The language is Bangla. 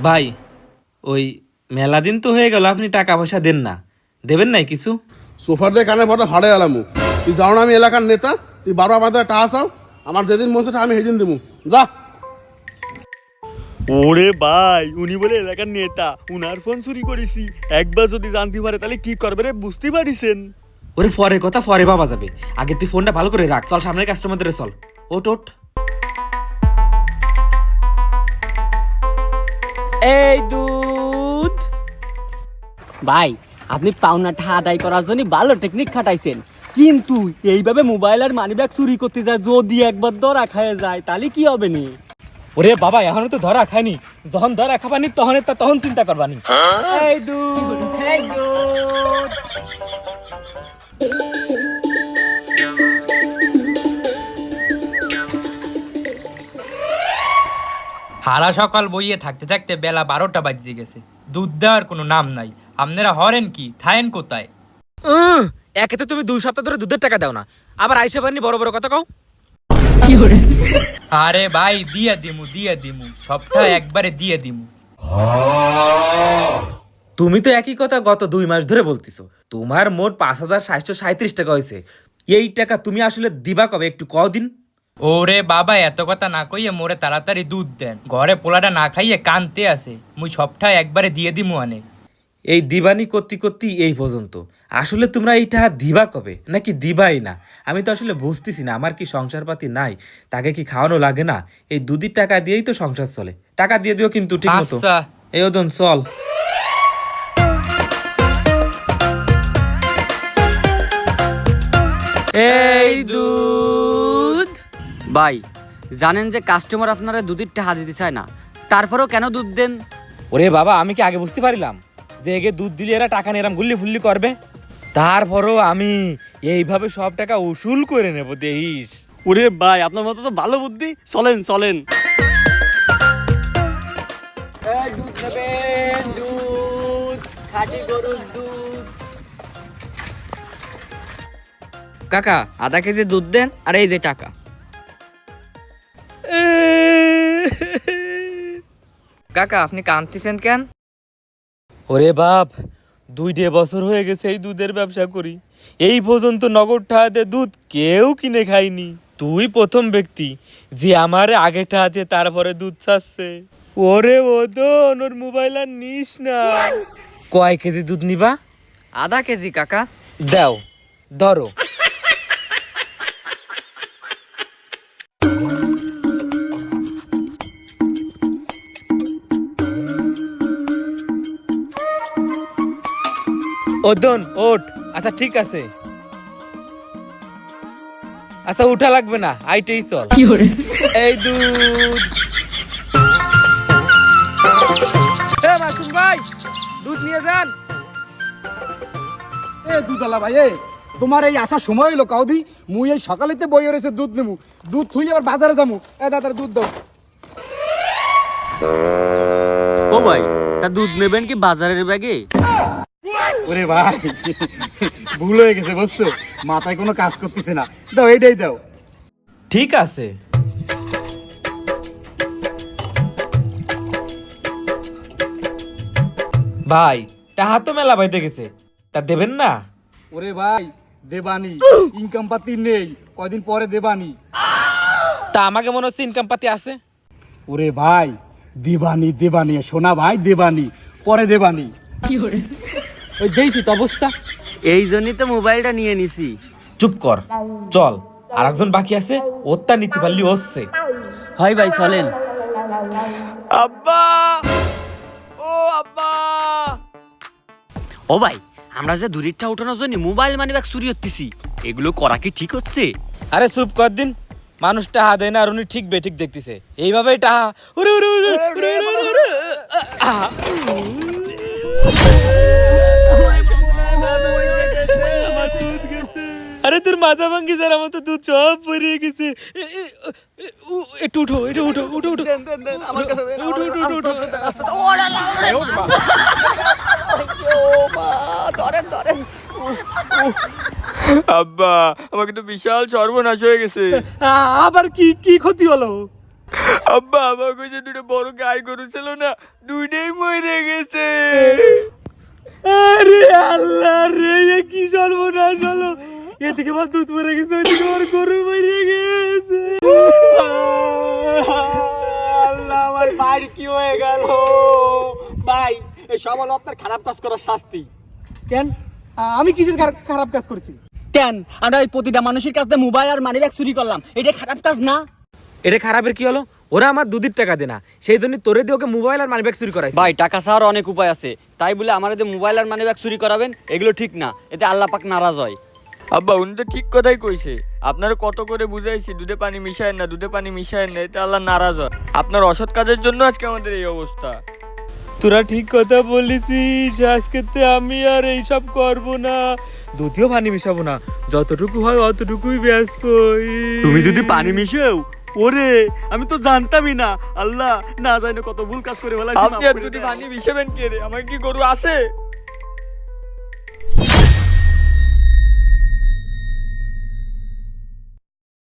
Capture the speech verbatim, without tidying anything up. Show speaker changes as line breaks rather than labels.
ভাই ওই মেলা দিন তো হয়ে গেল, আপনি টাকা পয়সা দেন না, দেবেন নাই কিছু?
সোফার দিয়ে কানে পড়া ফাড়ে এলামু। তুই যাও না, আমি এলাকার নেতা, তুই বারো আমাদের টাকা চাও, আমার যেদিন মন চায় আমি সেদিন দেবো, যা।
ওরে ভাই, উনি বলে এলাকার নেতা, উনার ফোন চুরি করেছি, একবার যদি জানতে পারে তাহলে কি করবে রে, বুঝতে পারিছেন?
ওরে পরে কথা পরে পাওয়া যাবে, আগে তুই ফোনটা ভালো করে রাখ। চল সামনের কাস্টমারদের চল। ওট ওট।
এই দুধ ভাই, আপনি পাওনাটা আদায় করার জন্য ভালো টেকনিক খাটাইছেন, কিন্তু এইভাবে মোবাইল আর মানি ব্যাগ চুরি করতে যায়, যদি একবার ধরা খায় যায় তাহলে কি হবে নি?
ওরে বাবা, এখনো তো ধরা খায়নি, যখন ধরা খাবানি তখন তখন চিন্তা করবানি।
এই দুধ, এই দুধ।
হারা সকাল বইয়ে থাকতে থাকতে বেলা বারোটা বাজিয়ে গেছে, দুধ দেওয়ার কোনো নাম নাই। আপনারা হরেন কি, থায়েন কোথায়?
উহ, একে তো তুমি দুই সপ্তাহ ধরে দুধের টাকা দাও না, আবার আইসা পারিনি বড় বড় কথা কও।
আরে ভাই, দিয়ে দিমু দিয়ে দিমু, সবটা একবারে দিয়ে দিমু।
তুমি তো একই কথা গত দুই মাস ধরে বলতেছো। তোমার মোট পাঁচ হাজার সাতশো সাঁত্রিশ টাকা হয়েছে, এই টাকা তুমি আসলে দিবা কবে, একটু কদিন?
ওরে বাবা, এত কথা না কইয়ে মোরে তাড়াতাড়ি দুধ দেন, ঘরে পোলাটা না খাইয়ে কানতে আছে, মুই সবটা একবারে দিয়ে দিমু আনে।
এই দিবানি করতে করতে এই পর্যন্ত, আসলে তোমরা এই টাকা দিবা কবে, নাকি দিবাই না? আমি তো আসলে বুঝতেছি না, আমার কি সংসারপাতি নাই, তাকে কি খাওয়ানো লাগে না? এই দুধের টাকা দিয়েই তো সংসার চলে, টাকা দিয়ে দিও কিন্তু ঠিক মতো।
আচ্ছা।
এই ওদন চল।
এই দুধ ভাই, জানেন যে কাস্টমার আপনারা দুধের টাকা দিতে চায় না, তারপরেও কেন দুধ দেন?
ওরে বাবা, আমি কি আগে বুঝতে পারিলাম যে এগে দুধ দিলে এরা টাকা নিয়ে এরম গুল্লি ফুল্লি করবে? তারপরও আমি এইভাবে সব টাকা উসুল করে নেব, দেখিস।
ওরে ভাই, আপনার মতো তো ভালো বুদ্ধি, চলেন চলেন।
দুধ নেবেন, দুধ, খাঁটি গরুর দুধ। কাকা, আধা কেজি দুধ দেন, আর এই যে টাকা। কাকা, আপনি কাঁদতেছেন কেন?
ওরে বাপ, দুইটে বছর হয়ে গেছে এই দুধের ব্যবসা করি, এই পর্যন্ত নগদ টাকাতে দুধ কেউ কিনে খায়নি। তুই প্রথম ব্যক্তি যে আমার আগে টাকাতে তারপরে দুধ চাচ্ছে। ওরে ওদন, ওর মোবাইল আর নিস না। কয় কেজি দুধ নিবা?
আধা কেজি কাকা।
দাও, ধরো। ওদন ওঠ। আচ্ছা ঠিক আছে, আচ্ছা উঠা লাগবে না, আইটেই চল। এই দুধ। এ মাসুম ভাই, দুধ নিয়ে যান।
এ দুধওয়ালা ভাই, এ তোমার এই আসার সময় হইলো কাউদি, মুই এই সকালেতে বই রয়েছে দুধ নেবো, দুধ থুই আবার বাজারে যাবো। এ দাদা দুধ দাও।
ও ভাই, তা দুধ নেবেন কি বাজারের ব্যাগে?
ওরে ভাই, ভুল হয়ে গেছে বুঝছো, মাথায় কোনো কাজ করতেছে না, দাও এইটাই দাও।
ঠিক আছে। ভাই, টাহা তো মেলা পাইতে গেছে, তা দেবেন না?
ওরে ভাই, দেবানি, ইনকাম পাতি নেই, কয়দিন পরে দেবানি।
তা আমাকে মনে হচ্ছে ইনকাম পাতি আছে।
ওরে ভাই, দেবানি দেবানি, সোনা ভাই দেবানি, পরে দেবানি।
ওই দেখছি তো অবস্থা।
এই জন্যই তো মোবাইলটা নিয়ে নিছি।
চুপ কর, চল, আর একজন বাকি আছে, ওরটা নিতে পারলি হচ্ছে।
হয় ভাই, চলেন।
আব্বা, ও আব্বা।
ও ভাই, আমরা যে দূরেরটা উঠানোর জন্য মোবাইল মানি ব্যাগ চুরি হতেছি, এগুলো করা কি ঠিক হচ্ছে?
আরে চুপ কর দিন, মানুষ টাহা দেয় না আর উনি ঠিক বেঠিক দেখতেছে, এইভাবেই টাহা। উরে উরে উরে উরে উরে উরে। আহা। আরে তোর মাথা ভাঙ্গি যার, আমার তো দুধ সব পরিয়ে গেছে। একটু উঠো, একটু উঠো, উঠো উঠো।
আমার কাছে
উঠো, উঠো, উঠো, উঠো।
আব্বা, আমাকে তো বিশাল সর্বনাশ হয়ে গেছে।
আবার কি কি ক্ষতি হলো?
আব্বা আমাকে যে দুটো বড় গাই গরু ছিল না দুইটাই মরে গেছে।
আরে আল্লাহ রে, এ কি সর্বনাশ হলো! এদিকে আমার দুধ মরে গেছে, ওইদিকে আমার গরু মরে গেছে।
আল্লাহ, আমার ভাইয়ের কি হয়ে গেল? ভাই, এই সব হলো আপনার খারাপ কাজ করার শাস্তি।
কেন আ- আমি কিসের খারাপ- খারাপ কাজ করেছি?
কেন আমরা ওই প্রতিটা মানুষের কাছে মোবাইল আর মানি ব্যাগ চুরি করলাম, এটা খারাপ কাজ না?
এটা খারাপের কি হলো? ওরা আমার দুধের টাকা দেনা, সেই জন্য তোরে দিয়ে ওকে মোবাইল আর মানি ব্যাগ চুরি করাইছে।
ভাই টাকা ছাড়ার অনেক উপায় আছে, তাই বলে আমার এতে মোবাইল আর মানি ব্যাগ চুরি করাবেন এগুলো ঠিক না, এতে আল্লাহ পাক নারাজ হয়।
আব্বা উনি তো ঠিক কথাই কইছে, আপনারা কত করে বুঝাইছি দুধে পানি মিশায়েন না, দুধে পানি মিশায়েন না, এতে আল্লাহ নারাজ হয়। আপনার অসৎ কাজের জন্য আজকে আমাদের এই অবস্থা।
তোরা ঠিক কথা বলেছিস, আজকে আমি আর এইসব করব না, দুধেও পানি মিশাবো না, যতটুকু হয় অতটুকুই ব্যাস কই।
তুমি যদি পানি মিশাও, ওরে আমি তো জানতামই না, আল্লাহ না জানি কত ভুল কাজ করে ফেলাইছি। আপনি আর যদি পানি মিশাবেন কে রে? আমার কি গরু আছে?